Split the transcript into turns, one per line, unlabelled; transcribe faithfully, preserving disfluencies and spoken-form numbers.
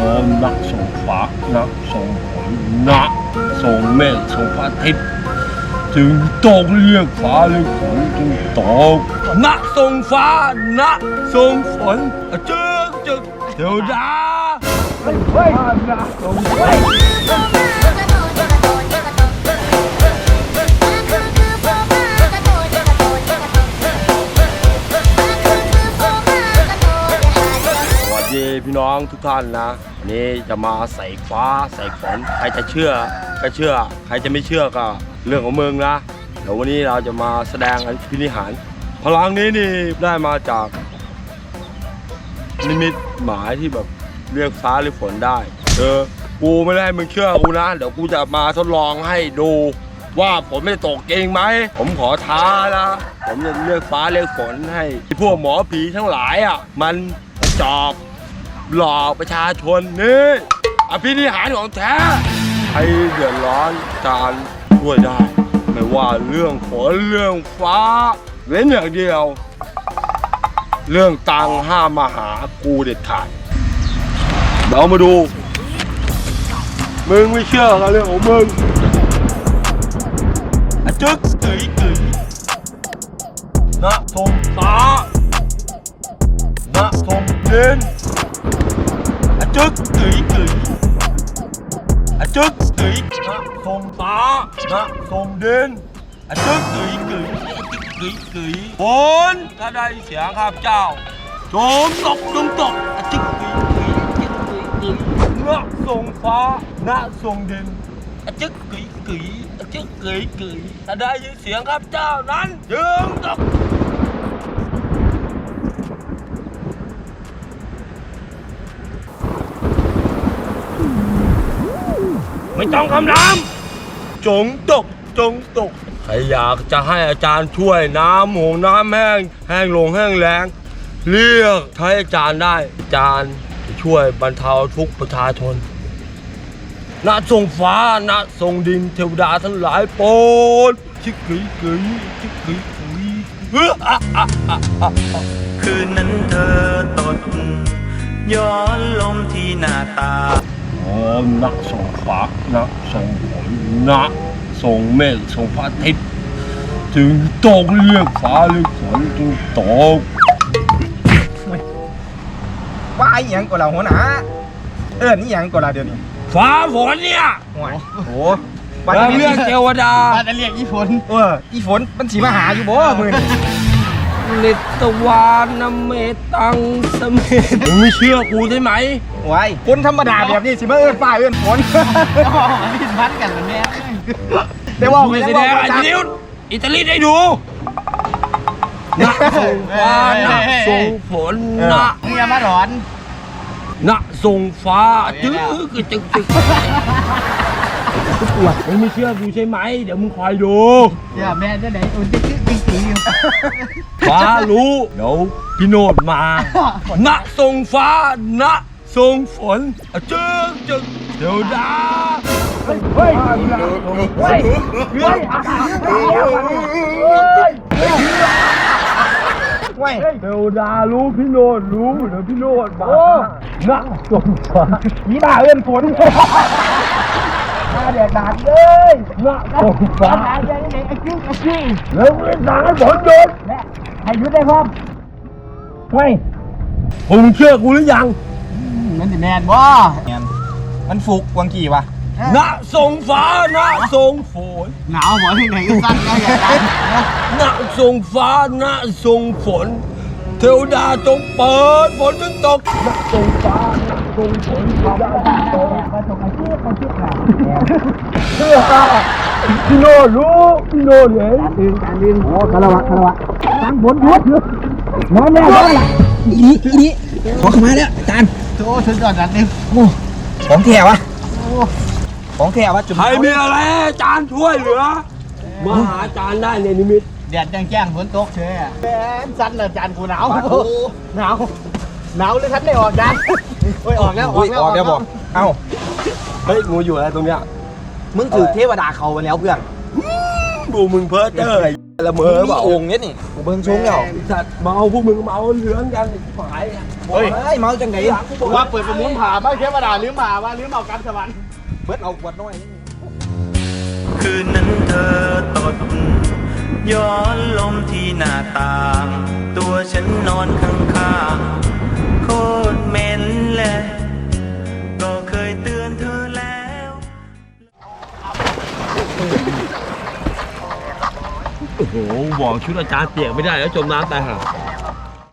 อนักส่งฟ้านักส่งฝนนักส่งเมฆส่งพระอาทิตย์ถึงตกเรียกฟ้าเรียกฝนจึงตกนักส่งฟ้านักส่งฝนจึกจึกเทวดาเฮ้ยเฮ้ยนักส่งฝนพี่น้องทุกท่านนะวันนี้จะมาใส่ฟ้าใส่ฝนใครจะเชื่อก็เชื่อใครจะไม่เชื่อก็เรื่องของมึงนะเดี๋ยววันนี้เราจะมาแสดงอภินิหารพลังนี้นี่ได้มาจากนิมิตหมายที่แบบเรียกฟ้าหรือฝนได้เออกูไม่ได้มึงเชื่อกูนะเดี๋ยวกูจะมาทดลองให้ดูว่าฝนไม่ตกเองไหมผมขอท้านะผมจะเรียกฟ้าเรียกฝนให้พวกหมอผีทั้งหลายอ่ะมันจอบหลอกประชาชนนี่อภินิหารของแท้ใครเดือดร้อนการช่วยได้ไม่ว่าเรื่องฝนเรื่องฟ้าเว้นอย่างเดียวเรื่องตังห้ามมาหากูเด็ดขาดเดี๋ยวมาดูมึงไม่เชื่อกันเรื่องของมึงอะจึ๊กกึ๋ยกึ๋ยนะทงตานะทงเย็นอะจึ๊กกึ๋ยกึ๋ยอะจึ๊กกึ๋ยนะทรงตานะทรงเด่นอะจึ๊กกึ๋ยกึ๋ยกึ๋ยกึ๋ยฝนถ้าได้เสียงข้าพเจ้าจงตกจงตกอะจึ๊กกึ๋ยกึ๋ยอะจึ๊กกึ๋ยกึ๋ยนะทรงฟ้านะทรงเด่นอะจึ๊กกึ๋ยกึ๋ยอะจึ๊กกึ๋ยกึ๋ยถ้าได้ยินเสียงข้าพเจ้านั้นจงตกไม่ต้องคำรามจงตกจงตกใครอยากจะให้อาจารย์ช่วยน้ำหงน้ำแห้งแห้งลงแห้งแล้งเรียกให้อาจารย์ได้อาจารย์จะช่วยบรรเทาทุกข์ประชาชนณทรงฟ้าณทรงดินเทวดาทั้งหลายโปรดชิกกึ๋ยกึ๋ยชิกกึ๋ยกึ๋ยเฮ้ออ่ะอ่ะอ่ะอ่ะ
คืนนั้นเธอตดย้อนลมที่หน้าตา
นักส่งฟ้านักส่งฝนนักส่งเมฆส่งพระอาทิตย์ถึงตกเรียกฟ้าเรียกฝนจึงตก
ว่าไอ้ยังก็เราหัวหน้าเอิ้นนี่ยังก็เราเดี๋ยวนี้
ฟ้าฝนเนี่ย
โอ้โห
ว่าเรื่องเทวดา
ว่าจะเรียกอีฝนเอออีฝนมันสีมาหาอยู่บ่มือ
นิตวานเมตังสเมตมึงไม่เชื่อกูใช่ไหม
ไว้คนธรรมดาแบบนี้สิมาเอิ้นฟ้าเอิ้นฝน
อ๋อไม่ถึงพันกันแม่
ได้ว่าไป
แสดงอิตาลีอิตาลีได้ดูนักส่งฟ้านักส่งฝนนัก
มึงอย่ามาหลอน
นักส่งฟ้าจึ๊กจึ๊กจึ๊กปวดมึงไม่เชื่อกูใช่ไหมเดี๋ยวมึงคอยดู
เดี๋ยวแม่จะไหนอุ่นติ๊กติ๊กติ๊กติ๊ก
ฟ้ารู้เดี๋ยวพี่โนดมาณทรงฟ้าณทรงฝนจึ๊กจึ๊กเดี๋ยวดาเฮ้ยเฮ้ยเฮ้ยเฮ้ยอากาศเฮ้ยเฮ้ยเดี๋ยวดารู้พี่โนดรู้เดี๋ยวพี่โนดมาณทรงฟ้า
นี่บ้าเอิ้นฝนเดือดดาดเลย
ณทรงฟ้า
ไอ้ไอ้กิ้งไอ้กิ้ง
แล้วเวลาให้ฝนหยุด
ให้หยุดได้พร้อมเฮ้ย
ผมเชื่อกูหรือยัง
มันจะแมนบ่แมนมันฟุกกวางกี่วะ
ณทรงฟ้าณทรงฝน
หนาวหมอที่ไหนก็สั้นก็อย่างนั้น
ณทรงฟ้าณทรงฝนเทวดาจงเปิดฝนจนตกณทรงฟ้าณทรงฝนเทวดาจงตก
มาตกอาชีพอาชีพหนา
เชื่อพี่โนรู้พี่โนเห็น
การดินโอ้คารวะคารวะตั้งฝนหยุดน้องแม่ก็ละอีอีขอเข้ามาแล้วจานโอ้ถึงก่อนจานนึงโอ้ของแถววะของแถววะจุ่ม
ใครมีอะไรจานช่วยเหลือมาหาจานได้ในนิมิต
แดดแจ้งแจ้งฝนตกเฉยอ่ะแอนสั้นเลยจานกูหนาวหนาวหนาวเลยทันได้ออกจานโอ้ยออกแล้วออกแล้วออกแล้วบอกเอ้า
เฮ้ยงูอยู่อะไรตรงเนี้ย
มึงถือเทวดาเขาไปแล้วเพื่อน
ดูมึงเพ้อเจ้ออะไรละเมอเปล่า
องค์นี้นี่กูเบิ่งชงแล้ว
สัตว์เมาพวกมึงเมาเหลืองกันฝ่าย
เฮ้ยเมาจังไหน
ว่าเปิดประมูลผ่าบ้านเทวดาลืมผ่าว่าลืมเอากำสวรรค์
เบิดเอาขวดน้อย
คืนนั้นเธอตดย้อนลมที่หน้าต่าง ตัวฉันนอนข้างๆโคตรเหม็นแหละก็เคยเตือนเธอแล้ว
โอ้โหบอกชุดอาจารย์เปียกไม่ได้แล้วจมน้ำตายห่า